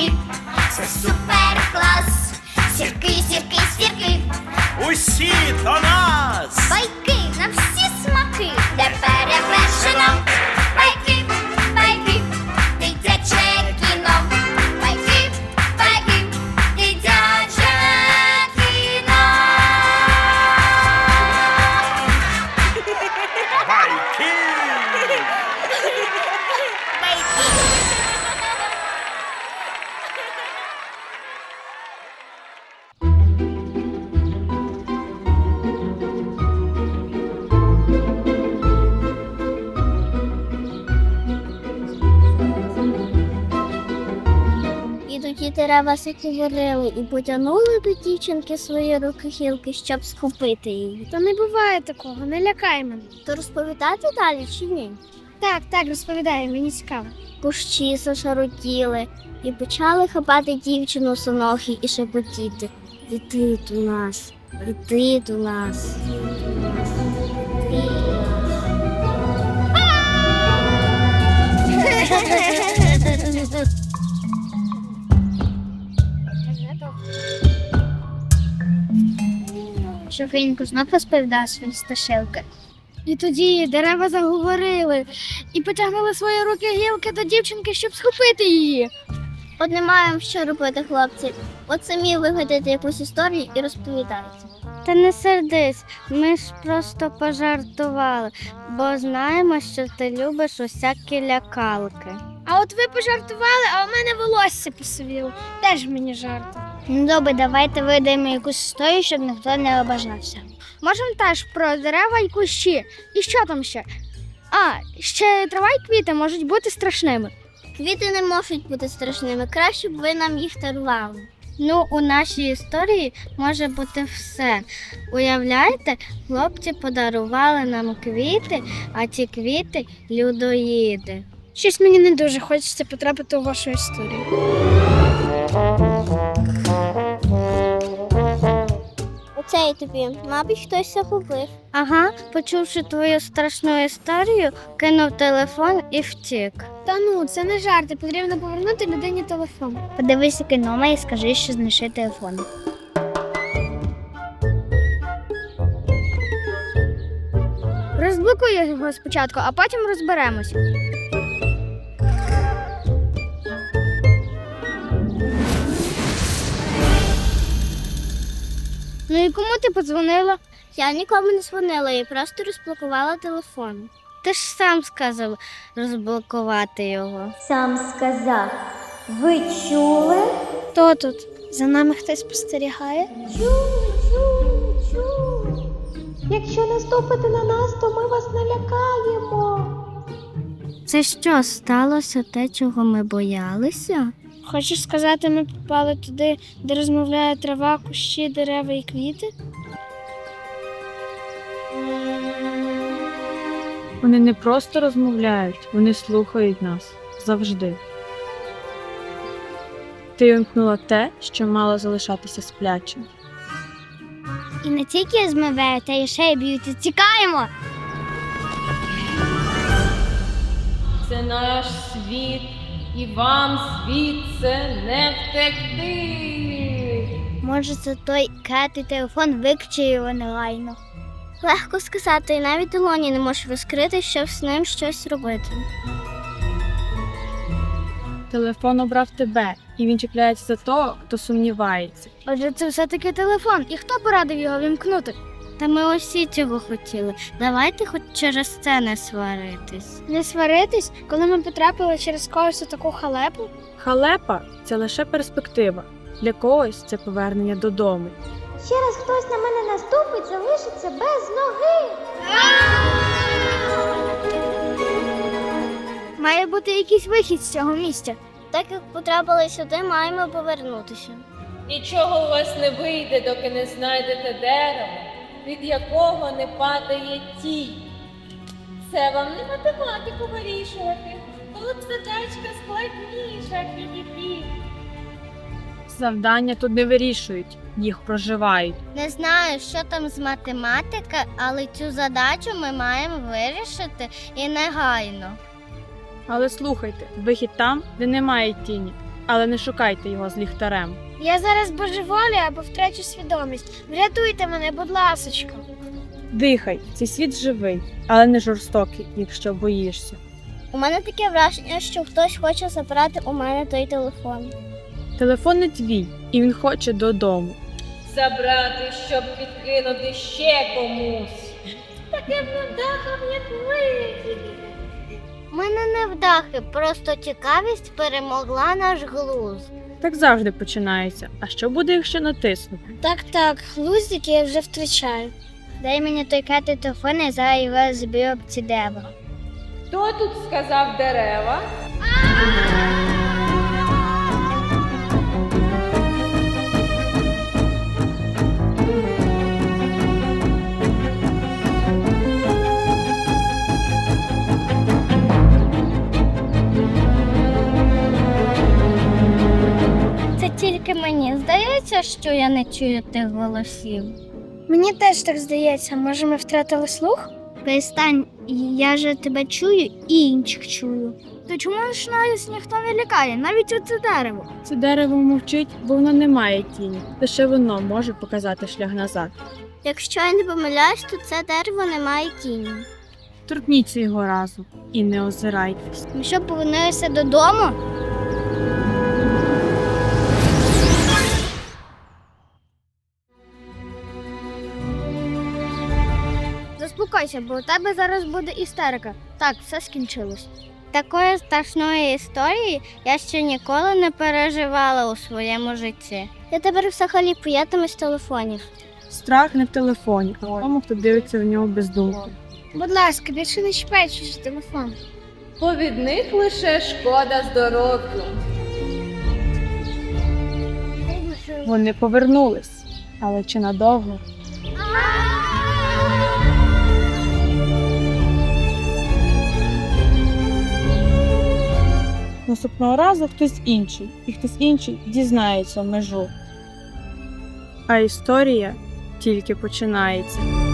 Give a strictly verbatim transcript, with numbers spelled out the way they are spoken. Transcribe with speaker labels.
Speaker 1: сірки, це супер клас. Сірки, сірки, сірки,
Speaker 2: Усі до нас!
Speaker 1: байки на всі смаки, де перевершено. Байки, байки, дитяче кіно. Байки, байки, дитяче кіно.
Speaker 2: Байки!
Speaker 1: І тоді дерева говорили і потягнули до дівчинки свої руки-хілки, щоб схопити її.
Speaker 3: Та не буває такого, не лякай мене.
Speaker 1: То розповідати далі чи ні?
Speaker 3: Так, так, розповідай, мені цікаво.
Speaker 1: Кущі зашаротіли і почали хапати дівчину сонохи і шепотіти. Іди до нас, іди до нас, іди до нас, іди до нас.
Speaker 3: Шофрінько знов розповідав свої страшилки. І тоді дерева заговорили і потягнули свої руки-гілки до дівчинки, щоб схопити її.
Speaker 1: От не маємо що робити, хлопці. От самі вигадайте якусь історію і розповідайте.
Speaker 3: Та не сердись, ми ж просто пожартували, бо знаємо, що ти любиш усякі лякалки. А от ви пожартували, а у мене волосся посивіло. Теж мені жарти. Ну добре, давайте видаємо якусь історію, щоб ніхто не обажався. Можемо теж про дерева і кущі. І що там ще? А, ще трава і квіти можуть бути страшними.
Speaker 1: Квіти не можуть бути страшними, краще б ви нам їх дарували.
Speaker 3: Ну, у нашій історії може бути все. Уявляєте, хлопці подарували нам квіти, а ті квіти – людоїди. Щось мені не дуже хочеться потрапити у вашу історію.
Speaker 1: Оце і тобі, мабуть, хтось загубив.
Speaker 3: Ага, почувши твою страшну історію, кинув телефон і втік. Та ну, це не жарти, потрібно повернути людині телефон. Подивися кіно і скажи, що знайшли телефон. Розблокуй його спочатку, а потім розберемось. Ну і кому ти подзвонила?
Speaker 1: Я нікому не дзвонила, я просто розблокувала телефон.
Speaker 3: Ти ж сам сказав розблокувати його.
Speaker 1: Сам сказав. Ви чули?
Speaker 3: Хто тут? За нами хтось спостерігає?
Speaker 4: Чую, чую, чую. Якщо наступите на нас, то ми вас налякаємо.
Speaker 3: Це що, сталося те, чого ми боялися? Хочеш сказати, ми попали туди, де розмовляє трава, кущі, дерева і квіти?
Speaker 5: Вони не просто розмовляють, вони слухають нас завжди. Ти вимкнула те, що мало залишатися сплячим.
Speaker 3: І не тільки змивають, а й ще й б'ють. Тікаємо!
Speaker 6: Це наш світ, і вам звідси не втекти.
Speaker 3: Може, це той кретий телефон викче його негайно.
Speaker 1: Легко сказати, і навіть долоні не можеш розкрити, щоб з ним щось робити.
Speaker 5: Телефон обрав тебе, і він чіпляється за того, хто сумнівається.
Speaker 3: Отже, це все-таки телефон. І хто порадив його вімкнути? Та ми усі цього хотіли. Давайте хоч через це не сваритись. Не сваритись, коли ми потрапили через когось у таку халепу?
Speaker 5: Халепа – це лише перспектива. Для когось це повернення додому.
Speaker 4: Ще раз хтось на мене наступить, залишиться без ноги.
Speaker 3: Має бути якийсь вихід з цього місця.
Speaker 1: Так як потрапили сюди, маємо повернутися.
Speaker 6: Нічого у вас не вийде, доки не знайдете дерево, від якого не падає тінь. Це вам не математику вирішувати. Тут задачка складніша, хі-хі-хі.
Speaker 5: Завдання тут не вирішують, їх проживають.
Speaker 3: Не знаю, що там з математики, але цю задачу ми маємо вирішити і негайно.
Speaker 5: Але слухайте, вихід там, де немає тіні. але не шукайте його з ліхтарем.
Speaker 3: Я зараз божеволію або втрачу свідомість. Врятуйте мене, будь ласочка.
Speaker 5: Дихай, цей світ живий, але не жорстокий, якщо боїшся.
Speaker 1: У мене таке враження, що хтось хоче забрати у мене той телефон.
Speaker 5: Телефон не твій, і він хоче додому.
Speaker 6: Забрати, щоб підкинути ще комусь. Таким невдахом, як ви.
Speaker 3: У мене не вдахи, просто цікавість перемогла наш глузд.
Speaker 5: Так завжди починається. А що буде, якщо натиснути?
Speaker 3: Так, так, глуздик я вже втрачаю. Дай мені той катий телефон, і зараз його зб'ю об ці дерева.
Speaker 6: Хто тут сказав дерева?
Speaker 3: Це тільки мені здається, що я не чую тих голосів. Мені теж так здається, може ми втратили слух?
Speaker 1: Перестань, я же тебе чую і інших чую.
Speaker 3: То чому ж нас ніхто не лякає, навіть оце дерево?
Speaker 5: Це дерево мовчить, бо воно не має тіні. Лише воно може показати шлях назад.
Speaker 1: Якщо я не помиляюсь, то це дерево не має тіні.
Speaker 5: Торкніться його разом і не озирайтесь.
Speaker 3: Ми що, повернулися додому? Заспокойся, бо у тебе зараз буде істерика. Так, все скінчилось. Такої страшної історії я ще ніколи не переживала у своєму житті.
Speaker 1: Я тепер взагалі боятимусь з телефонів.
Speaker 5: Страх не в телефоні, а в тому, хто дивиться в нього без думки.
Speaker 3: Будь ласка, більше не чіпай чужий телефон.
Speaker 6: Бо від них лише шкода здоров'ю.
Speaker 5: Вони повернулись, але чи надовго? Наступного разу хтось інший, і хтось інший дізнається межу. А історія тільки починається.